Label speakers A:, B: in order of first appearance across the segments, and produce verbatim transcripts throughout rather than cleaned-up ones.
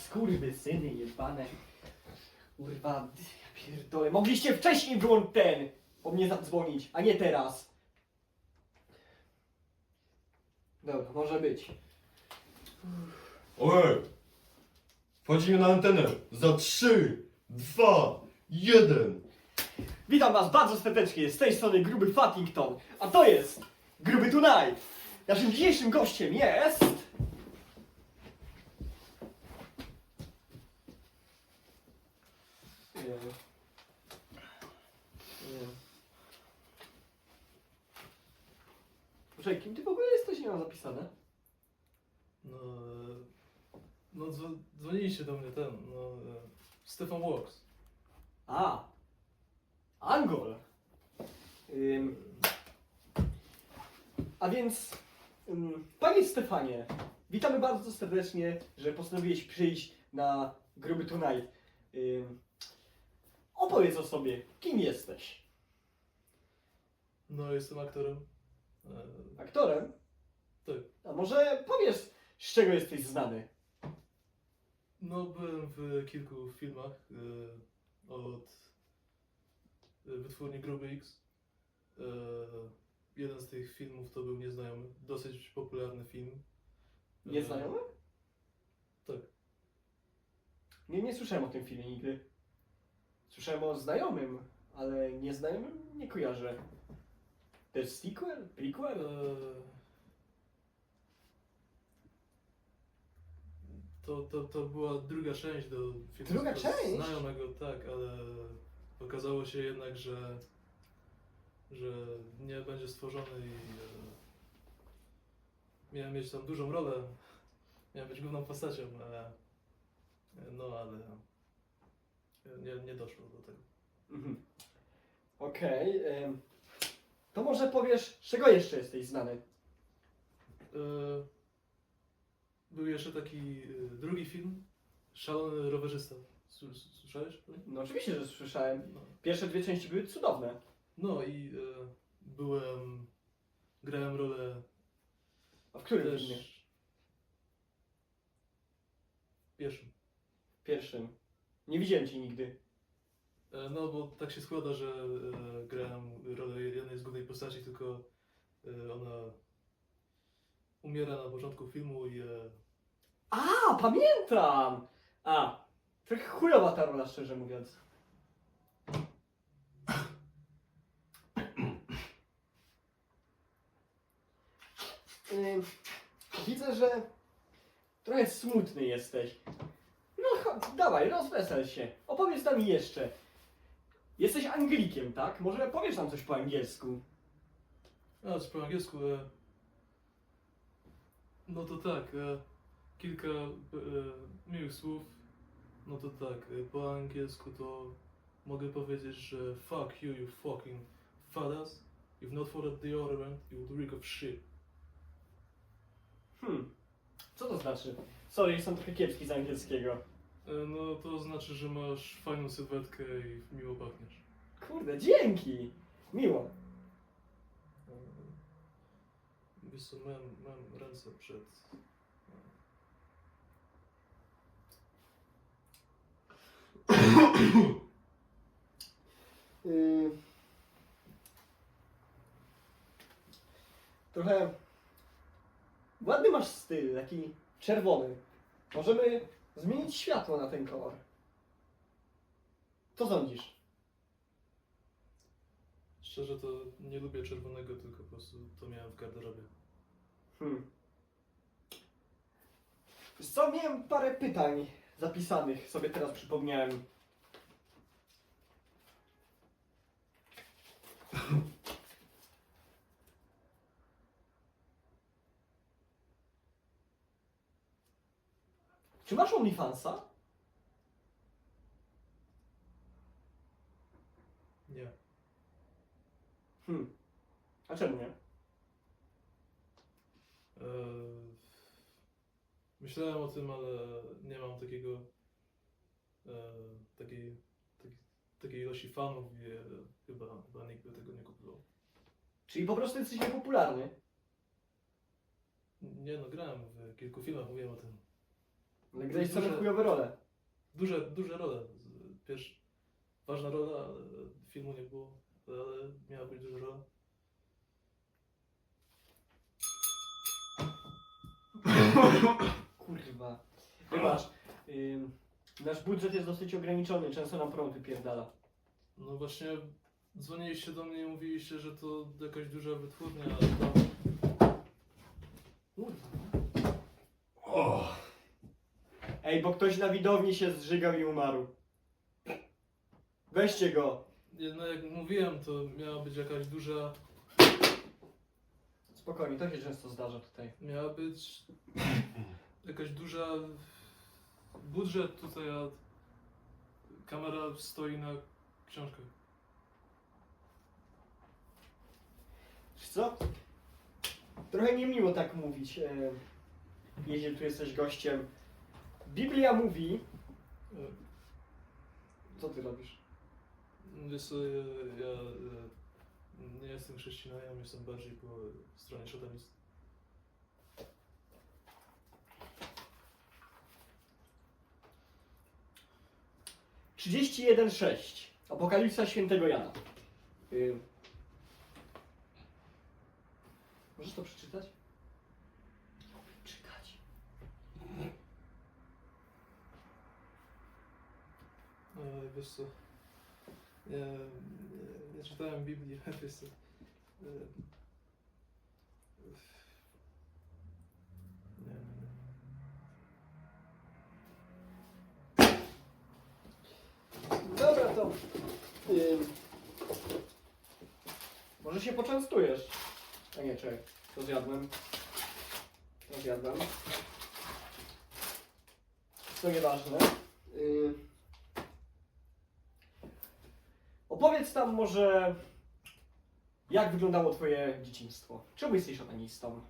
A: Skurwysyny jebane. Kurwa, ja pierdolę. Mogliście wcześniej wyłączyć ten, po mnie zadzwonić, a nie teraz. Dobra, może być.
B: Ojej! Wchodzimy na antenę za trzy, dwa, jeden.
A: Witam was bardzo serdecznie, z tej strony Gruby Fattington, a to jest Gruby Tonight. Naszym dzisiejszym gościem jest... Nie. Nie. Poczekaj, kim ty w ogóle jesteś? Nie mam zapisane.
C: No, e, no dzwo- dzwoniliście do mnie ten, no, e, Stefan Walks.
A: A, Angol. Ym, a więc, ym, panie Stefanie, witamy bardzo serdecznie, że postanowiłeś przyjść na Gruby Tonight. Ym, opowiedz o sobie, kim jesteś?
C: No, jestem aktorem. E,
A: Aktorem?
C: tak.
A: A może powiesz, z czego jesteś znany?
C: No, byłem w kilku filmach e, od e, wytwórni Gruby X. E, jeden z tych filmów to był Nieznajomy, dosyć popularny film. E,
A: Nieznajomy?
C: Tak.
A: Nie, nie słyszałem o tym filmie nigdy. Słyszałem o znajomym, ale nieznajomym nie kojarzę. To jest sequel? Prequel?
C: E, To, to, to była druga część do filmu
A: Druga
C: z-
A: część?
C: znajomego, tak, ale okazało się jednak, że, że nie będzie stworzony i e, miałem mieć tam dużą rolę, miałem być główną postacią, e, no ale nie, nie doszło do tego.
A: Mhm. Okej. em, to może powiesz, z czego jeszcze jesteś znany?
C: E, był jeszcze taki e, drugi film, Szalony rowerzysta. Sły- Słyszałeś?
A: No oczywiście, że słyszałem.
C: No.
A: Pierwsze dwie części były cudowne.
C: No i e, byłem, grałem rolę
A: A w którym
C: też
A: filmie?
C: w pierwszym.
A: W pierwszym. Nie widziałem cię nigdy.
C: E, no bo tak się składa, że e, grałem rolę jednej z głównej postaci, tylko e, ona umiera na początku filmu i e,
A: A, pamiętam! A, trochę chujowa ta rola, szczerze mówiąc. Ym, widzę, że trochę smutny jesteś. No chodź, dawaj, rozwesel się. Opowiedz nam jeszcze. Jesteś Anglikiem, tak? Może powiesz nam coś po angielsku?
C: a co po angielsku, e, no to tak, e, kilka e, miłych słów, no to tak, e, po angielsku to mogę powiedzieć, że fuck you, you fucking fadas, if not for that deodorant, you would reek of shit.
A: Hmm, co to znaczy? Sorry, jestem trochę kiepski z angielskiego.
C: E, no to znaczy, że masz fajną sylwetkę i miło pachniesz.
A: Kurde, dzięki! Miło.
C: E, Wiesz co, mam, mam ręce przed...
A: Yy... Trochę... Ładny masz styl, taki czerwony. Możemy zmienić światło na ten kolor. Co sądzisz?
C: Szczerze to nie lubię czerwonego, tylko po prostu to miałem w garderobie.
A: Hmm. Wiesz co, miałem parę pytań zapisanych, sobie teraz przypomniałem. Czy masz OnlyFansa?
C: Nie.
A: Hmm. A czemu nie?
C: E, myślałem o tym, ale nie mam takiego e, takiej, takiej, takiej ilości fanów i e, chyba, chyba nikt by tego nie kupował.
A: Czyli po prostu jesteś niepopularny?
C: Nie no, grałem w kilku filmach, mówiłem o tym.
A: Ale grałeś
C: Duże-
A: same chujowe role.
C: Duże, duże role. Pierwsza, ważna rola, ale filmu nie było, ale miała być duża rola.
A: Kurwa. Wybacz. Ym, nasz budżet jest dosyć ograniczony, często nam prąd wypierdala.
C: No właśnie dzwoniliście do mnie i mówiliście, że to jakaś duża wytwórnia, ale tam...
A: Kurwa.
B: O,
A: Ej, bo ktoś na widowni się zżygał i umarł. Weźcie go.
C: Nie, no jak mówiłem, to miała być jakaś duża...
A: Spokojnie, to się często zdarza tutaj.
C: Miała być jakaś duża... budżet tutaj, a kamera stoi na książkach.
A: Wiesz co? Trochę niemiło tak mówić, e, jeśli tu jesteś gościem. Biblia mówi...
C: E,
A: Co ty robisz?
C: Wiesz co, ja, ja e, nie jestem chrześcijaninem, jestem bardziej po stronie szatanistów.
A: trzydzieści jeden sześć. Apokalipsa świętego Jana. Y... Możesz to przeczytać? Czytać.
C: E, wiesz co, nie, nie, nie czytałem Biblii, wiesz co. E, nie, nie.
A: Dobra, to... Y... Może się poczęstujesz. A nie, czekaj. To zjadłem. To zjadłem. To nieważne. Y... Opowiedz tam może, jak wyglądało twoje dzieciństwo. Czemu jesteś szatanistą?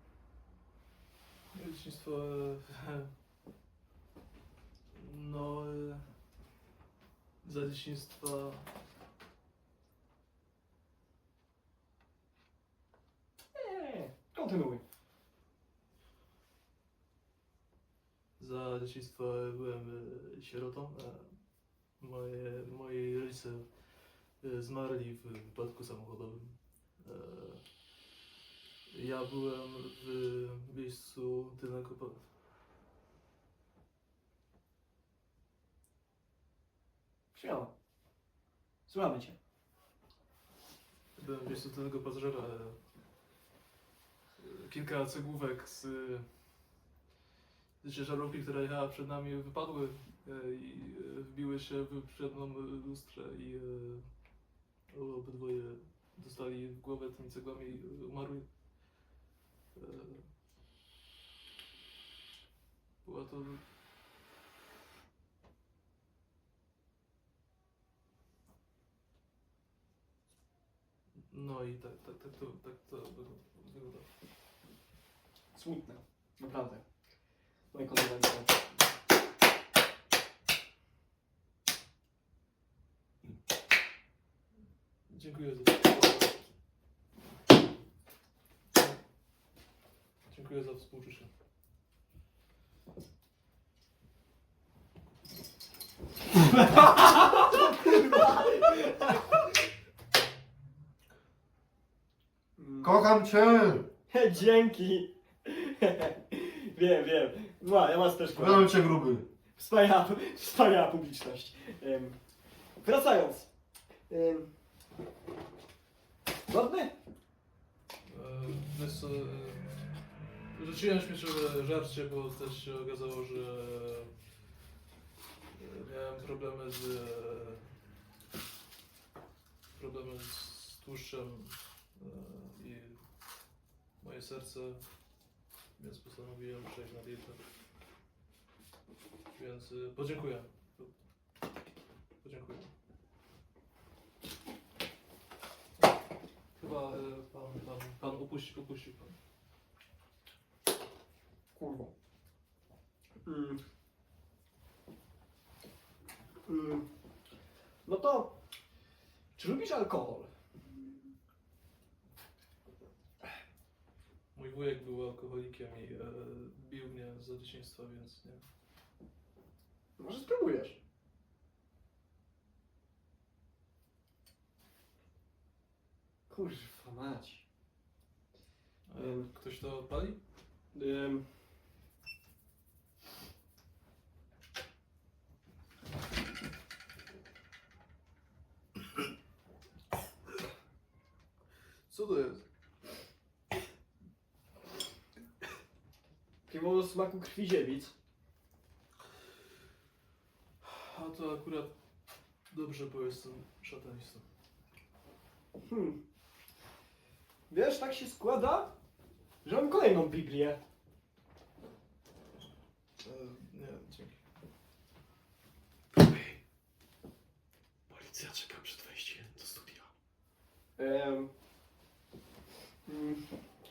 C: Moje dzieciństwo, e, no, e, za dzieciństwa,
A: Nie, kontynuuj.
C: za dzieciństwa byłem e, sierotą. E, moje, moi rodzice e, zmarli w wypadku samochodowym. E, ja byłem w miejscu tylnego, pa-
A: Śmiało. Słuchamy cię.
C: byłem w miejscu tylnego pasażera. E, kilka cegłówek z, z ciężarówki, która jechała przed nami, wypadły e, i e, wbiły się w przednią lustrę i e, obydwoje dostali w głowę tymi cegłami i umarli. E, była to... No i tak, tak, tak to, tak to wygląda.
A: Smutne. Naprawdę. Moje kondolencje.
C: Dziękuję za Dziękuję za współczucie.
B: kocham cię!
A: Dzięki. Wiem, wiem. No, ja was też kocham.
B: Kocham cię, gruby.
A: Wspaniała, wspaniała publiczność. Ym, wracając. Ym, Godny?
C: E, Wiesz co, e, rzuciłem śmieciowe żarcie, bo też się okazało, że e, miałem problemy z e, problemy z tłuszczem e, i moje serce, więc postanowiłem przejść na dietę. Więc e, podziękuję. Podziękuję. Chyba e, pan, pan, pan upuścił, upuścił pan.
A: Kurwa. Mm. Mm. No to, czy lubisz alkohol?
C: Mój wujek był alkoholikiem i e, bił mnie za dzieciństwa, więc nie.
A: Może spróbujesz. Kurwa mać.
C: A
A: Ym.
C: ktoś to pali?
A: Ym.
C: Co to jest?
A: Piwo o smaku krwi dziewic.
C: A to akurat dobrze, bo jestem szatanistą.
A: Hmm. Wiesz, tak się składa, że mam kolejną Biblię.
C: E, nie, dzięki. Policja czeka przed wejściem do studia.
A: Em. Mm.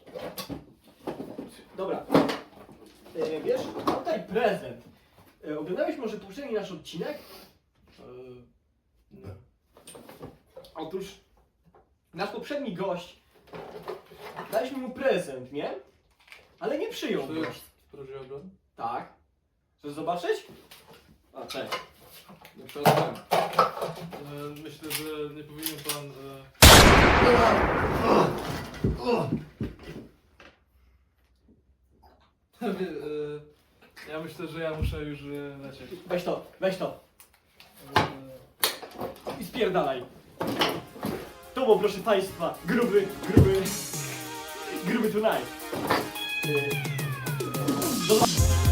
A: Dobra. E, wiesz, mam tutaj prezent. E, oglądałeś może poprzedni nasz odcinek?
C: E, nie.
A: Otóż nasz poprzedni gość, daliśmy mu prezent, nie? Ale nie przyjął
C: Czy to
A: go.
C: jest prawdziwa broń?
A: Tak. Chcesz zobaczyć? A, cześć. Nie przeszkadzam.
C: E, myślę, że nie powinien pan... E... Wie, e, ja myślę, że ja muszę już e, lecieć.
A: Weź to, weź to.
C: E,
A: I spierdalaj. To był, proszę Państwa, gruby, gruby, gruby tonight. Yy, do...